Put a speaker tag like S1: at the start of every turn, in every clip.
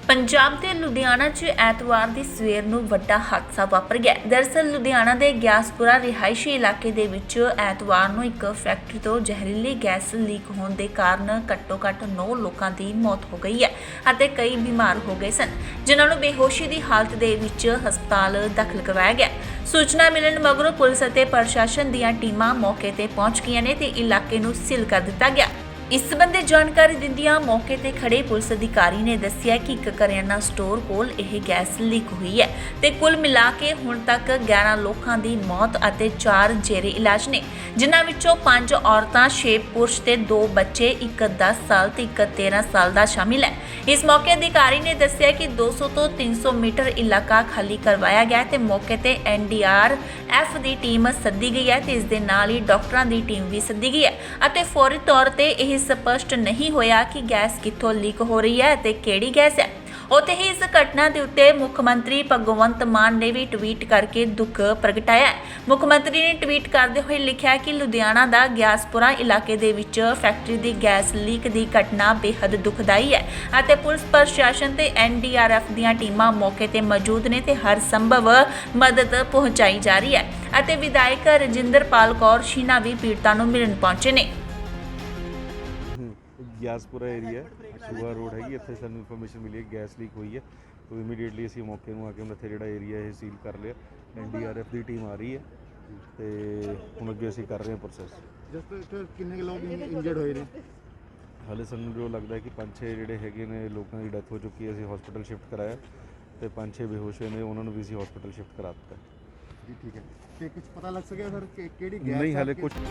S1: ਪੰਜਾਬ ਦੇ ਲੁਧਿਆਣਾ 'ਚ ਐਤਵਾਰ ਦੀ ਸਵੇਰ ਨੂੰ ਵੱਡਾ ਹਾਦਸਾ ਵਾਪਰ ਗਿਆ। ਦਰਅਸਲ ਲੁਧਿਆਣਾ ਦੇ ਗਿਆਸਪੁਰਾ ਰਿਹਾਇਸ਼ੀ ਇਲਾਕੇ ਦੇ ਵਿੱਚ ਐਤਵਾਰ ਨੂੰ ਇੱਕ ਫੈਕਟਰੀ ਤੋਂ ਜ਼ਹਿਰੀਲੀ ਗੈਸ ਲੀਕ ਹੋਣ ਦੇ ਕਾਰਨ ਘੱਟੋ-ਘੱਟ 9 ਲੋਕਾਂ ਦੀ ਮੌਤ ਹੋ ਗਈ ਹੈ ਅਤੇ ਕਈ ਬਿਮਾਰ ਹੋ ਗਏ ਸਨ, ਜਿਨ੍ਹਾਂ ਨੂੰ ਬੇਹੋਸ਼ੀ ਦੀ ਹਾਲਤ ਦੇ ਵਿੱਚ ਹਸਪਤਾਲ ਦਾਖਲ ਕਰਵਾਇਆ ਗਿਆ। ਸੂਚਨਾ ਮਿਲਣ ਮਗਰੋਂ ਪੁਲਿਸ ਅਤੇ ਪ੍ਰਸ਼ਾਸਨ ਦੀਆਂ ਟੀਮਾਂ ਮੌਕੇ ਤੇ ਪਹੁੰਚ ਗਈਆਂ ਨੇ ਤੇ ਇਲਾਕੇ ਨੂੰ ਸੀਲ ਕਰ ਦਿੱਤਾ ਗਿਆ। ਇਸ ਸੰਬੰਧੀ ਜਾਣਕਾਰੀ ਦਿੰਦਿਆਂ ਮੌਕੇ ਤੇ ਖੜੇ ਪੁਲਿਸ ਅਧਿਕਾਰੀ ਨੇ ਦੱਸਿਆ ਕਿ ਇੱਕ ਕਰਿਆਨਾ ਸਟੋਰ ਕੋਲ ਇਹ ਗੈਸ ਲੀਕ ਹੋਈ ਹੈ ਤੇ ਕੁੱਲ ਮਿਲਾ ਕੇ ਹੁਣ ਤੱਕ 11 ਲੋਕਾਂ ਦੀ ਮੌਤ ਅਤੇ 4 ਜੇਰੇ ਇਲਾਜ ਨੇ, ਜਿਨ੍ਹਾਂ ਵਿੱਚੋਂ 5 ਔਰਤਾਂ, 6 ਪੁਰਸ਼ ਤੇ 2 ਬੱਚੇ, ਇੱਕ 10 ਸਾਲ ਤੇ ਇੱਕ 13 ਸਾਲ ਦਾ ਸ਼ਾਮਿਲ ਹੈ। ਇਸ ਮੌਕੇ ਅਧਿਕਾਰੀ ਨੇ ਦੱਸਿਆ ਕਿ 200 ਤੋਂ 300 ਮੀਟਰ ਇਲਾਕਾ ਖਾਲੀ ਕਰਵਾਇਆ ਗਿਆ ਤੇ ਮੌਕੇ ਤੇ NDRF ਦੀ ਟੀਮ ਸੱਦੀ ਗਈ ਹੈ ਤੇ ਇਸ ਦੇ ਨਾਲ ਹੀ ਡਾਕਟਰਾਂ ਦੀ ਟੀਮ ਵੀ ਸੱਦੀ ਗਈ ਹੈ ਅਤੇ ਫੌਰੀ ਤੌਰ ਤੇ ਇਹ ਸਪਸ਼ਟ ਨਹੀਂ ਹੋਇਆ ਕਿ ਗੈਸ ਕਿੱਥੋਂ ਲੀਕ ਹੋ ਰਹੀ ਹੈ ਤੇ ਕਿਹੜੀ ਗੈਸ ਹੈ। ਉੱਥੇ ਹੀ ਇਸ ਘਟਨਾ ਦੇ ਉੱਤੇ ਮੁੱਖ ਮੰਤਰੀ ਭਗਵੰਤ ਮਾਨ ਨੇ ਵੀ ਟਵੀਟ ਕਰਕੇ ਦੁੱਖ ਪ੍ਰਗਟਾਇਆ ਹੈ। ਮੁੱਖ ਮੰਤਰੀ ਨੇ ਟਵੀਟ ਕਰਦੇ ਹੋਏ ਲਿਖਿਆ ਕਿ ਲੁਧਿਆਣਾ ਦਾ ਗਿਆਸਪੁਰਾ ਇਲਾਕੇ ਦੇ ਵਿੱਚ ਫੈਕਟਰੀ ਦੀ ਗੈਸ ਲੀਕ ਦੀ ਘਟਨਾ ਬੇहद ਦੁਖਦਾਈ ਹੈ ਅਤੇ ਪੁਲਿਸ ਪ੍ਰਸ਼ਾਸਨ ਤੇ NDRF ਦੀਆਂ ਟੀਮਾਂ ਮੌਕੇ ਤੇ ਮੌਜੂਦ ਨੇ ਤੇ ਹਰ ਸੰਭਵ ਮਦਦ ਪਹੁੰਚਾਈ ਜਾ ਰਹੀ ਹੈ ਅਤੇ ਵਿਧਾਇਕ ਰਜਿੰਦਰਪਾਲ ਕੌਰ ਸ਼ੀਨਾ ਵੀ ਪੀੜਤਾਂ ਨੂੰ ਮਿਲਣ ਪਹੁੰਚੇ ਨੇ।
S2: ਗਿਆਸਪੁਰਾ ਏਰੀਆ ਸ਼ੂਆ ਰੋਡ ਹੈਗੀ, ਇੱਥੇ ਸਾਨੂੰ ਇਨਫੋਰਮੇਸ਼ਨ ਮਿਲੀ ਹੈ ਗੈਸ ਲੀਕ ਹੋਈ ਹੈ। तो ਇਮੀਡੀਏਟਲੀ ਅਸੀਂ ਮੌਕੇ ਨੂੰ ਆ ਕੇ ਇੱਥੇ ਜਿਹੜਾ ਏਰੀਆ ਇਹ ਸੀਲ ਕਰ ਲਿਆ। NDRF ਦੀ ਟੀਮ ਆ ਰਹੀ ਹੈ ਤੇ ਹੁਣ ਅੱਗੇ ਅਸੀਂ ਕਰ ਰਹੇ ਹਾਂ ਪ੍ਰੋਸੈਸ।
S3: ਜਸਟ ਕਿੰਨੇ ਲੋਕ ਇੰਜਰਡ ਹੋਏ ਨੇ?
S2: ਹਾਲੇ ਸਾਨੂੰ ਜੋ ਲੱਗਦਾ ਹੈ ਕਿ 5-6 ਜਿਹੜੇ ਹੈਗੇ ਨੇ ਲੋਕਾਂ ਦੀ ਡੈਥ ਹੋ ਚੁੱਕੀ ਹੈ, ਅਸੀਂ ਹਸਪੀਟਲ ਸ਼ਿਫਟ ਕਰਾਇਆ ਤੇ 5-6 ਬੇਹੋਸ਼ ਹੋਏ ਨੇ, ਉਹਨਾਂ ਨੂੰ ਵੀ ਅਸੀਂ ਹਸਪੀਟਲ ਸ਼ਿਫਟ ਕਰਾ ਦਿੱਤਾ
S3: ਜੀ। ਠੀਕ ਹੈ, ਤੇ ਕੁਝ ਪਤਾ ਲੱਗ ਸਕਿਆ ਸਰ ਕਿ ਕਿਹੜੀ ਗੈਸ?
S2: नहीं, हाले कुछ।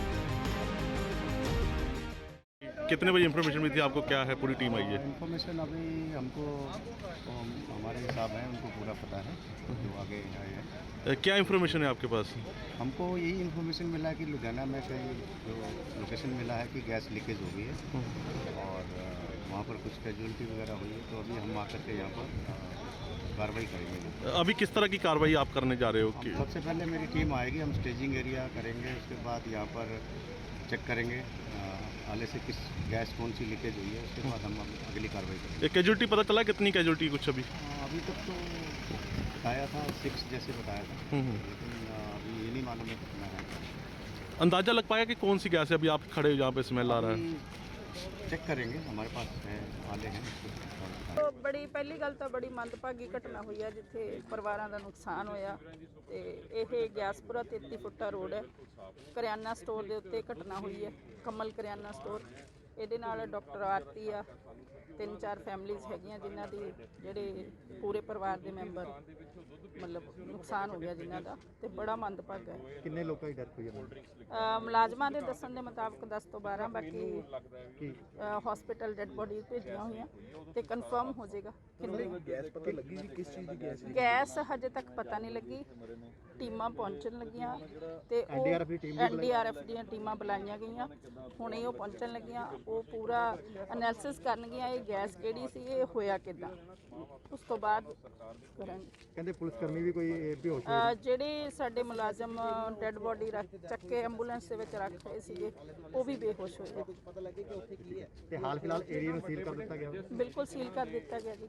S4: कितने बजे इन्फॉर्मेशन मिली थी आपको? क्या है, पूरी टीम आई है?
S5: इन्फॉर्मेशन अभी हमको हमारे हिसाब है, उनको पूरा पता है जो आगे आए हैं।
S4: क्या इन्फॉर्मेशन है आपके पास?
S5: हमको यही इन्फॉर्मेशन मिला कि लुधियाना में कहीं जो लोकेशन मिला है कि गैस लीकेज हो गई है और वहाँ पर कुछ कैजुअलिटी वगैरह हुई है, तो अभी हम आकर के यहाँ पर कार्रवाई करेंगे।
S4: अभी किस तरह की कार्रवाई आप करने जा रहे हो कि?
S5: सबसे पहले मेरी टीम आएगी, हम स्टेजिंग एरिया करेंगे, उसके बाद यहाँ पर चेक करेंगे आले से किस गैस कौन सी लीकेज हुई है, उसके बाद हम अगली कार्रवाई करेंगे।
S4: एक कैजुअलिटी पता चला कितनी कैजुअलिटी कुछ अभी?
S5: अभी तक तो बताया था 6 जैसे बताया था, लेकिन अभी ये नहीं मालूम है कितना है।
S4: अंदाज़ा लग पाया कि कौन सी गैस है? अभी आप खड़े हो जहाँ पे स्मेल आ रहा है।
S5: चेक करेंगे, हमारे पास है आले हैं।
S6: ਬੜੀ ਪਹਿਲੀ ਗੱਲ ਤਾਂ ਬੜੀ ਮੰਦਭਾਗੀ ਘਟਨਾ ਹੋਈ ਹੈ ਜਿੱਥੇ ਪਰਿਵਾਰਾਂ ਦਾ ਨੁਕਸਾਨ ਹੋਇਆ ਤੇ ਇਹ ਗਿਆਸਪੁਰਾ 33 ਫੁੱਟਾ ਰੋਡ ਹੈ, ਕਰਿਆਨਾ ਸਟੋਰ ਦੇ ਉੱਤੇ ਘਟਨਾ ਹੋਈ ਹੈ, ਕਮਲ ਕਰਿਆਨਾ ਸਟੋਰ। ਇਹਦੇ ਨਾਲ ਡਾਕਟਰ ਆਰਤੀ ਆ, 3-4 ਫੈਮਲੀਜ਼ ਹੈਗੀਆਂ ਜਿਨ੍ਹਾਂ ਦੀ ਜਿਹੜੇ ਪੂਰੇ ਪਰਿਵਾਰ ਦੇ ਮੈਂਬਰ ਮਤਲਬ ਨੁਕਸਾਨ ਹੋ ਗਿਆ ਜਿਨ੍ਹਾਂ ਦਾ, ਤੇ ਬੜਾ ਮੰਦਭਾਗਾ ਹੈ।
S3: ਕਿੰਨੇ ਲੋਕਾਂ ਦੀ ਡੈਥ ਹੋਈ ਹੈ?
S6: ਮੁਲਾਜ਼ਮਾਂ ਦੇ ਦੱਸਣ ਦੇ ਮੁਤਾਬਕ 10 ਤੋਂ 12, ਬਾਕੀ ਹਸਪੀਟਲ ਡੈਡ ਬੋਡੀਜ਼ ਭੇਜੀਆਂ ਹੋਈਆਂ ਤੇ ਕਨਫਰਮ ਹੋ ਜਾਏਗਾ ਕਿੰਨੀ
S3: ਗੈਸ ਪਤਾ ਲੱਗੀ ਜੀ ਕਿਸ ਚੀਜ਼ ਦੀ ਗੈਸ?
S6: ਗੈਸ ਹਜੇ ਤੱਕ ਪਤਾ ਨਹੀਂ ਲੱਗੀ, ਟੀਮਾਂ ਪਹੁੰਚਣ ਲੱਗੀਆਂ ਤੇ NDRF ਦੀਆਂ ਟੀਮਾਂ ਬੁਲਾਈਆਂ ਗਈਆਂ, ਹੁਣੇ ਉਹ ਪਹੁੰਚਣ ਲੱਗੀਆਂ, ਉਹ ਪੂਰਾ ਐਨਾਲਿਸਿਸ ਕਰਨਗੀਆਂ ਇਹ ਗੈਸ ਕਿਹੜੀ ਸੀ, ਇਹ ਹੋਇਆ ਕਿੱਦਾਂ, ਉਸ ਤੋਂ ਬਾਅਦ ਕਰਾਂਗੇ।
S3: ਕਹਿੰਦੇ ਪੁਲਿਸ ਕਰਮੀ ਵੀ ਕੋਈ ਬੇਹੋਸ਼
S6: ਜਿਹੜੇ ਸਾਡੇ ਮੁਲਾਜ਼ਮ ਡੈਡ ਬੋਡੀ ਚੱਕ ਕੇ ਐਂਬੂਲੈਂਸ ਦੇ ਵਿੱਚ ਰੱਖ ਰਹੇ ਸੀਗੇ ਉਹ ਵੀ ਬੇਹੋਸ਼ ਹੋਏ।
S3: ਪਤਾ ਲੱਗੇ ਕਿ ਉੱਥੇ ਕੀ ਹੈ ਤੇ ਹਾਲ ਫਿਲਹਾਲ ਏਰੀਆ ਨੂੰ ਸੀਲ ਕਰ ਦਿੱਤਾ ਗਿਆ?
S6: ਬਿਲਕੁਲ ਸੀਲ ਕਰ ਦਿੱਤਾ ਗਿਆ ਜੀ।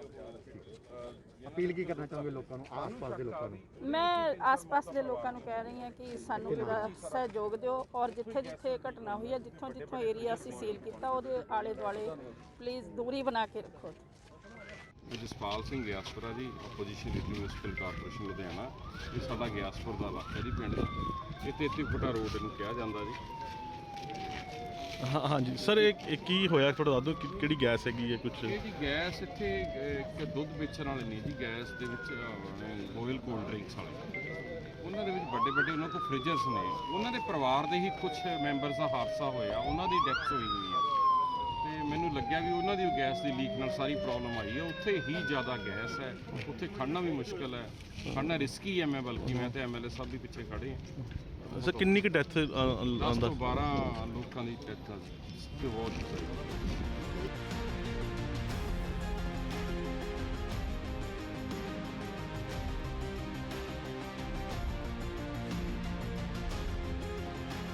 S3: ਅਪੀਲ ਕੀ ਕਰਨਾ ਚਾਹੋਗੇ ਲੋਕਾਂ ਨੂੰ, ਆਸ-ਪਾਸ ਦੇ ਲੋਕਾਂ ਨੂੰ?
S6: ਮੈਂ ਆਸ-ਪਾਸ ਦੇ ਲੋਕਾਂ ਨੂੰ ਕਹਿ ਰਹੀ ਹਾਂ ਕਿ ਸਾਨੂੰ ਪੂਰਾ ਸਹਿਯੋਗ ਦਿਓ ਔਰ ਜਿੱਥੇ ਘਟਨਾ ਹੋਈ ਹੈ, ਜਿੱਥੋਂ ਏਰੀਆ ਅਸੀਂ ਸੀਲ ਕੀਤਾ ਉਹਦੇ ਆਲੇ ਦੁਆਲੇ ਪਲੀਜ਼ ਦੂਰੀ ਬਣਾ ਕੇ ਰੱਖੋ।
S7: Jaspal Singh Giaspura ji, opposition leader municipal corporation Ludhiana. ਇਹ ਸਾਡਾ ਗਿਆਸਪੁਰ ਦਾ ਇਲਾਕਾ ਜੀ, ਪਿੰਡ ਦਾ। ਇਹ 33 ਫੁੱਟਾ ਰੋਡ ਇਹਨੂੰ ਕਿਹਾ ਜਾਂਦਾ ਜੀ।
S4: हाँ जी सर, एक की होया थोड़ा दस दो कि गैस हैगी है कुछ?
S7: ਇਹ ਜੀ ਗੈਸ ਇੱਥੇ ਇੱਕ ਦੁੱਧ ਵੇਚਣ ਵਾਲੇ ਨੇ ਜੀ, ਗੈਸ ਦੇ ਵਿੱਚ ਰੋਇਲ ਕੋਲਡ ਡਰਿੰਕਸ ਵਾਲੇ, ਉਹਨਾਂ ਦੇ ਵਿੱਚ ਵੱਡੇ ਉਹਨਾਂ ਕੋਲ ਫ੍ਰਿਜਰਸ ਨੇ, ਉਹਨਾਂ ਦੇ ਪਰਿਵਾਰ ਦੇ ਹੀ ਕੁਝ ਮੈਂਬਰਸ ਦਾ ਹਾਦਸਾ ਹੋਇਆ, ਉਹਨਾਂ ਦੀ ਡੈਥ ਹੋਈ ਹੋਈ ਆ ਤੇ ਮੈਨੂੰ ਲੱਗਿਆ ਵੀ ਉਹਨਾਂ ਦੀ ਗੈਸ ਦੀ ਲੀਕ ਨਾਲ ਸਾਰੀ ਪ੍ਰੋਬਲਮ ਆਈ ਹੈ। ਉੱਥੇ ਹੀ ਜ਼ਿਆਦਾ ਗੈਸ ਹੈ, ਉੱਥੇ ਖੜਨਾ ਵੀ ਮੁਸ਼ਕਿਲ ਹੈ, ਖੜਨਾ ਰਿਸਕੀ ਹੈ। ਬਲਕਿ ਮੈਂ ਤੇ MLA ਸਾਹਿਬ ਵੀ ਪਿੱਛੇ ਖੜੇ ਹਾਂ।
S4: सर किन्नी की डेथ?
S7: 10 ਤੋਂ 12 ਲੋਕਾਂ ਦੀ ਡੈਥ ਤੇ ਬਹੁਤ